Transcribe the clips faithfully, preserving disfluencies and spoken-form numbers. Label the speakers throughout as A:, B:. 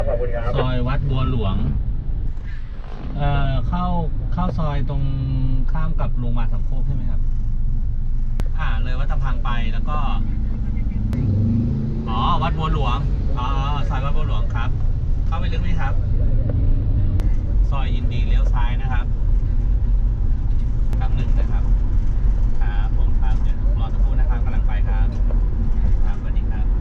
A: ซอยวัดบัวหลวงเอ่อเข้าเข้าซอยตรงข้ามกับโรงพยาบาลสามโคกใช่ไหมครับอ่าเลยวัดตะพังไปแล้วก็อ๋อวัดบัวหลวงอ๋อซอยวัดบัวหลวงครับเข้าไปลึกไหมครับซอยยินดีเลี้ยวซ้ายนะครับครั้งหนึ่งนะครับครับผมครับเดี๋ยวรอสักครู่นะครับกำลังไปครับครับสวัสดีครับ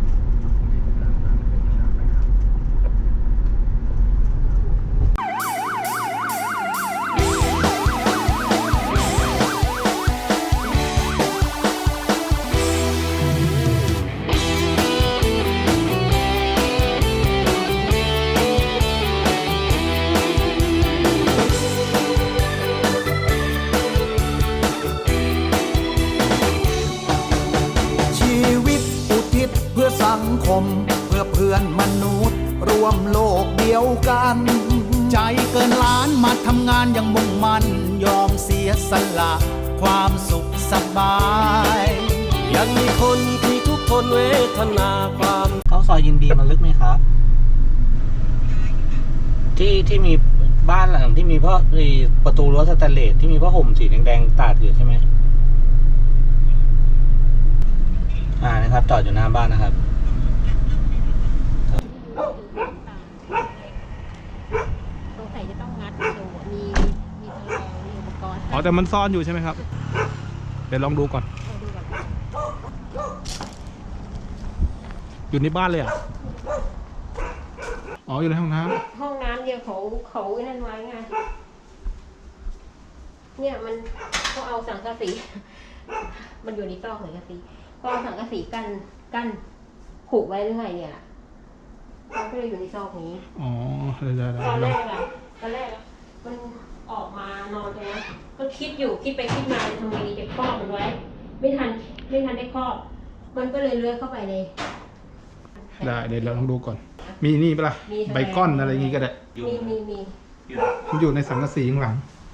B: สังคมเพื่อเพื่อนมนุษย์รวมโลกเดียวกันใจเกินล้านมาทำงานอย่างมุ่งมั่นยอมเสียสละความสุขสบาย
C: ยังมีคนที่ทุกคนเวทนาความ
A: เข้าซอยยินดีมันลึกไหมครับที่ที่มีบ้านหลังที่มีเพราะประตูรั้วสแตนเลสที่มีผ้าห่มสีแดงๆตาดอยู่ใช่ไหมอ่านะครับจอดอยู่หน้าบ้านนะครับ
D: สงสัยจะต้องงัดดูมีมีแฉลงมีอุปกรณ์
E: อ๋อแต่มันซ่อนอยู่ใช่ไหมครับเดี๋ยวลองดูก่อนอยู่ในบ้านเลยอ่ะอ๋ออยู่ในห้องน้ำ
D: ห้องน้ำเดียวเขาเขาไอ้นั่นไว้ไงเนี่ยมันเขาเอาสังกะสีมันอยู่ในซอกสังกะสีก็เอาสังกะสีกันกันผูกไว้หรือไงเนี่ยล่ะเขาก็เลยอยู่ในซอกนี้
E: อ๋อได้ได้ได้
D: ตอนแรกอะตอนแรกอะมันออกมานอนตรงนั้นก็คิดอยู่คิดไปคิดมาทำไงดีจะครอบมันไว้ไม่ทันไม่ทันได้ครอบมันก็เลยเลื้อยเข้าไปใน
E: ได้เดี๋ยวเราลองดูก่อนมีนี่ปะล่ะใบก้อนอะไรอย่างงี้ก็ได้
D: มีมีมี
E: มันอยู่ในสังกะสีข้างหลัง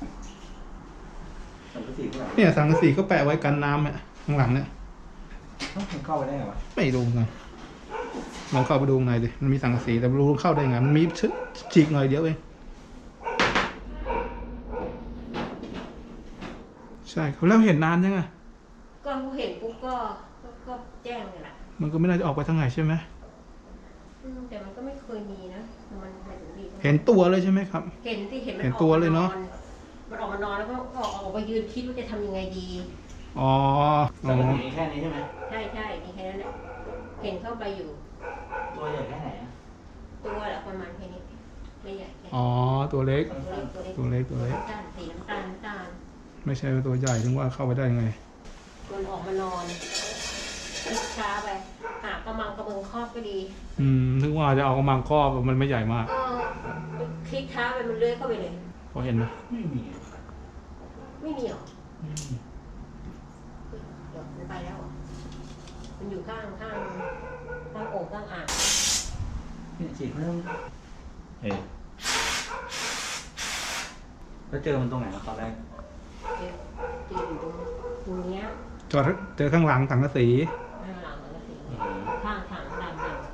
E: เนี่ยสังกะสีก็แปะไว้กันน้ำเนี่ยข้างหลังเนี่ย
A: มันเข้าไปได้ไงวะ
E: ไม่รู้ไงลองเข้าไปดูข้างในดิมันมีสังกะสีแต่ไม่รู้เข้าได้ไงมันมีฉีกหน่อยเดียวเองใช่เขาแล้วเห็นนานยังไง
D: ก็เห็นปุ๊บก็ก็แจ้งเลยล่ะ
E: มันก็ไม่น่าจะออกไปทางไหนใช่ไหม
D: แต่มันก็ไม่เคยมีนะมันมันถึงดี
E: เห็นตัวเลยใช่ไหมครับ
D: เห็นที่เห็นมัน
E: เห็นตัวเลยเนาะ
D: มันออกมานอนแล้วก็ออกออกไปยืนคิดว่าจะทำยังไงดี
E: อ๋อ
A: แต่มันมีแค่นี้ใช่ไหม
D: ใช่ใช่มีแค่นั้นแหละเห็นเข้าไปอยู่
A: ตัวใหญ่แค่ไหนอะ
D: ตัวแหละประมาณแค่นี้ไม่ใหญ่
E: อ๋อตัวเล็ก
D: ตัวเล็ก
E: ตัวเล็กตัวเล็ก
D: สีน้ำตาลน้ำตาล
E: ไม่ใช่ตัวใหญ่ถึงว่าเข้าไปได้ยังไง
D: มันออกมานอนคิดช้าไปหากระมังกระเมืองครอบก็ดี
E: อืมถึงว่าจะเอากระมังครอบมันไม่ใหญ่มาก
D: คลิกช้าไปมันเลื้อยเข้าไปเลย
E: พอเห็นไหม
A: ไม่มี
D: ไม่มีหรอเดี๋ยวมันไปแล้วมันอยู่ข้างข้างข้างโอ่งข้างอ่าง
A: เนี่ยฉีกเพิ่มเฮ้ยแล้วเจอมันตรงไหนตอนแรก
D: เจอเจออยู่ตรงนี้
E: จอดเจอข้างหลังสังกะสี
D: ข้างหลังสังกะสีข้างถังดำดำ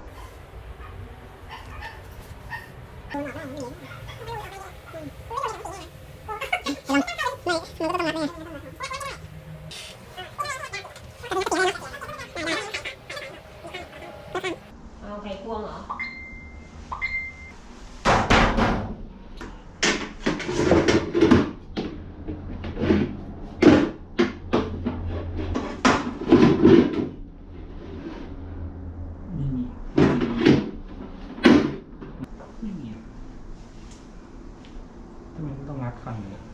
D: เอาไข่ควงเหรอ
A: ต้องงัดฟันเลย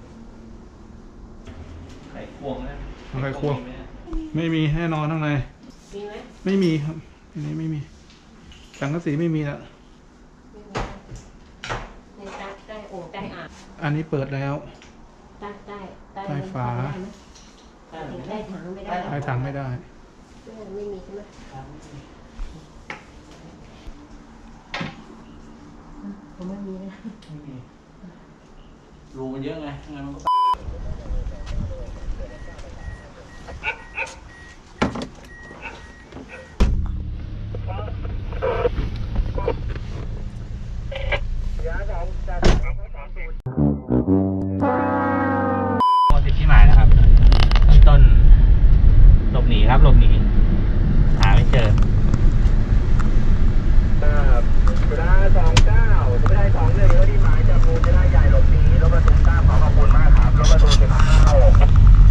A: ไข่ควงนะ
E: ไข่ควงไม่มีแน่นอนข้างใน
D: มีไหม
E: ไม่มีครับอันนี้ไม่มีสังกะสีไม่มีละ
D: ในใต้ใต้โอ่งใต้อ่าง
E: อันนี้เปิดแล้ว
D: ใต้ใต้
E: ใต้ฝา
D: ใต้ถังไม่ได้
E: ใต้ถังไม่ได้
D: ไม่มีใช่ไหมผมไม่มีนะ
A: ไม่มีรูมันเยอะไงงั้นมันก็ครับหลบหนี